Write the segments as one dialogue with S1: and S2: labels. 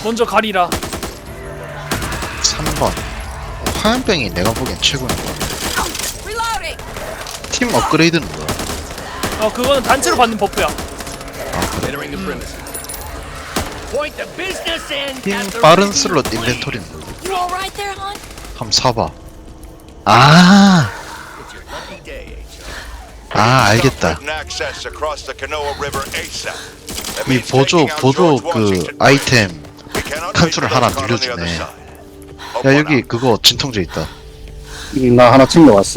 S1: 먼저 가리라.
S2: 3번. 화염병이 내가 보기엔 최고인 것 같아. 팀 업그레이드는 뭐야?
S1: 그거는 단체로 받는 버프야.
S2: 팀 빠른 슬롯 인벤토리는 뭐야? 한번 사봐. 아, 알겠다. 이 보조 그 아이템 칸수를 하나 늘려주네. 야, 여기 그거 진통제 있다.
S3: 나 하나 챙겨왔어.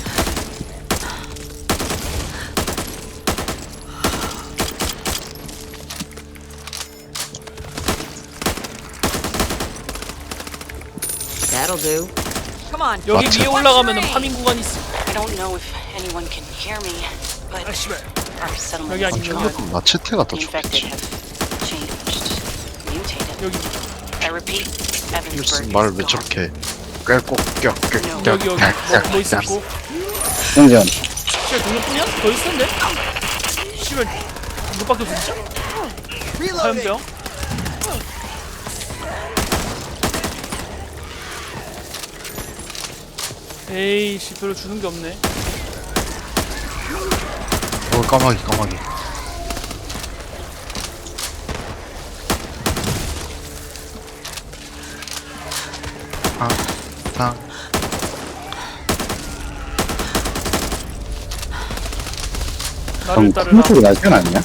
S4: That'll do. Come on.
S1: 여기
S2: 마트.
S1: 위에 올라가면은 파밍 구간이 있어.
S4: I don't know if anyone can hear me, but our settlement
S1: 여기
S4: is
S1: 아니면
S4: gone.
S2: 무조건 마체테가 더
S4: The infected
S2: 좋겠지.
S4: have changed, mutated.
S1: 여기
S4: I repeat,
S2: 무슨
S4: Evansburg
S2: 말을
S4: is
S2: 왜
S4: gone.
S2: 저렇게 깰꼭깰깰깰
S1: 여기 뭐 있었고.
S3: 생전.
S1: 씨발 동료뿐이야? 더 있었는데? 씨발 이것밖에 없어 진짜? 화염병? 에이씨 별로 주는 게 없네.
S2: 까마귀. 탕.
S1: 나를
S3: 큰
S1: 따르라.
S3: 소리 날 땐 아니야?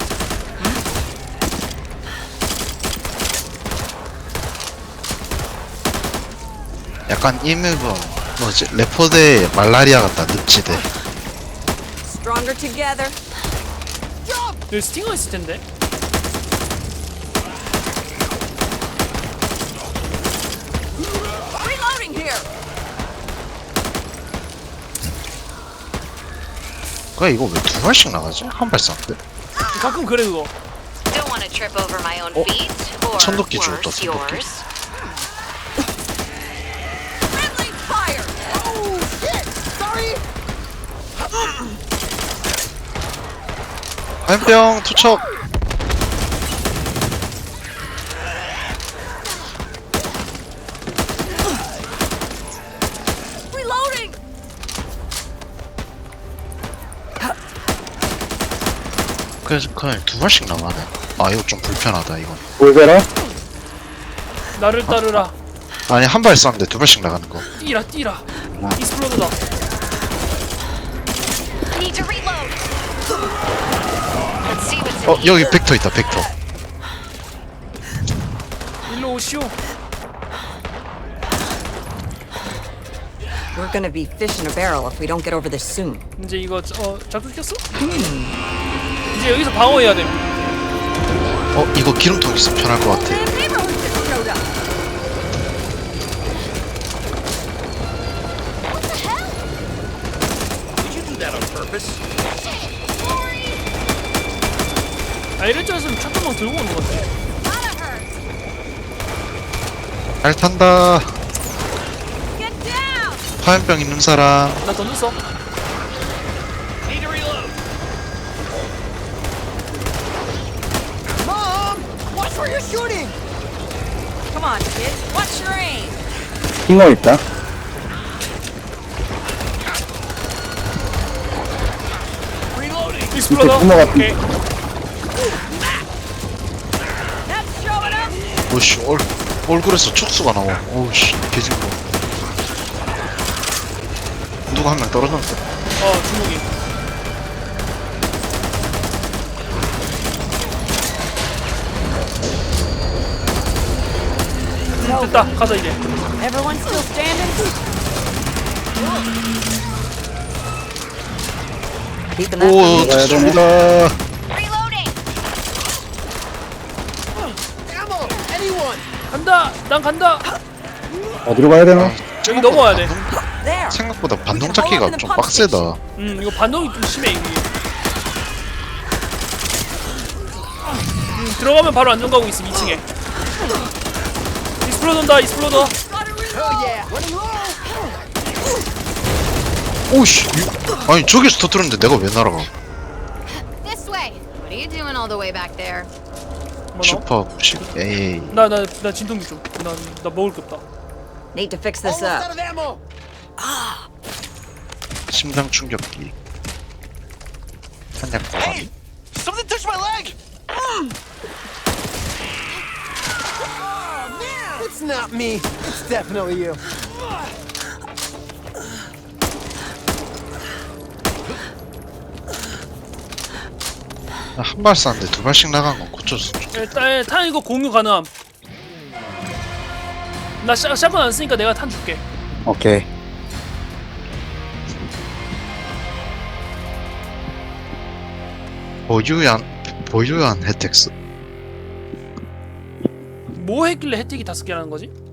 S2: 약간 이 맵은 뭐지? 레포대 말라리아 같다. 늪지대.
S4: Stronger together.
S1: 여기 스팅어 있을 텐데.
S4: Reloading here.
S2: 그래 이거 왜 두 발씩 나가지? 한 발 쐈는데?
S1: 가끔 그래 그거.
S5: Don't want to trip over my own feet or
S2: 천도끼
S5: worse,
S2: 주웠다, 천도끼.
S5: yours.
S4: Friendly fire. Oh shit! Sorry.
S2: 화염병 투척.
S4: Reloading.
S2: 그래서 그냥 두 발씩 나가네. 아 이거 좀 불편하다 이건.
S3: 볼베라?
S1: 나를 따르라.
S2: 아니 한 발 쐈는데 두 발씩 나가는 거.
S1: 뛰라. 이스플로드다.
S5: Need to reload. Let's see what's in here.
S2: 여기 벡터 있다 벡터.
S1: 일로 오시오.
S4: We're gonna be fish in a barrel if we don't get over this soon.
S1: 이제 이거 작동 켰어? 이제 여기서 방어해야 돼.
S2: 이거 기름통 있으면 편할 것 같아.
S4: Neighborhood just showed up.
S1: 이럴 줄 알았으면 잠깐만 들고 오는 것 같아.
S2: 잘 탄다.
S4: Get down.
S2: 화염병 있는 사람.
S1: 나 던졌어.
S4: Mom, watch where you're shooting. Come on, kids. Watch your aim.
S3: 킹어 있다.
S1: 이스플로더.
S3: 붕어 같은
S1: 오케이.
S4: That's showing up.
S2: 오씨 얼굴에서 촉수가 나와. 오씨 개징그러. 누가 한 명 떨어졌는데.
S1: 주먹이. 됐다. 가자 이제.
S4: Everyone still standing? Keeping that.
S2: 오
S3: 가야 되네.
S2: 좋습니다.
S5: Reloading.
S1: 간다. 난 간다.
S3: 어디로 가야 되나?
S1: 여기 넘어와야 돼.
S4: There.
S2: 생각보다 반동 찾기가 좀 빡세다.
S1: 이거 반동이 좀 심해 이게. 들어가면 바로 안전가고 있음 2층에. 이스플로더 온다. 이스플로더.
S2: 오씨 아니 저기서 터뜨렸는데 내가 왜 날아가?
S5: This way. What are you doing all the way back there?
S1: 뭐
S2: 슈퍼 부식 에이
S1: 나나 진통기 좀. 나 먹을 게 없다.
S4: Need to fix this up.
S2: 심장 충격기 한약 보관
S6: Something touched my leg! It's not me. It's definitely you.
S2: 한 발 쐈는데 두 발씩 나간 건 고쳤어.
S1: 일단 탄 이거 공유 가능함. 나 샷건 안 쓰니까 내가 탄 줄게.
S3: 오케이.
S2: 보유한 혜택스.
S1: 뭐 했길래 혜택이 5개라는 거지?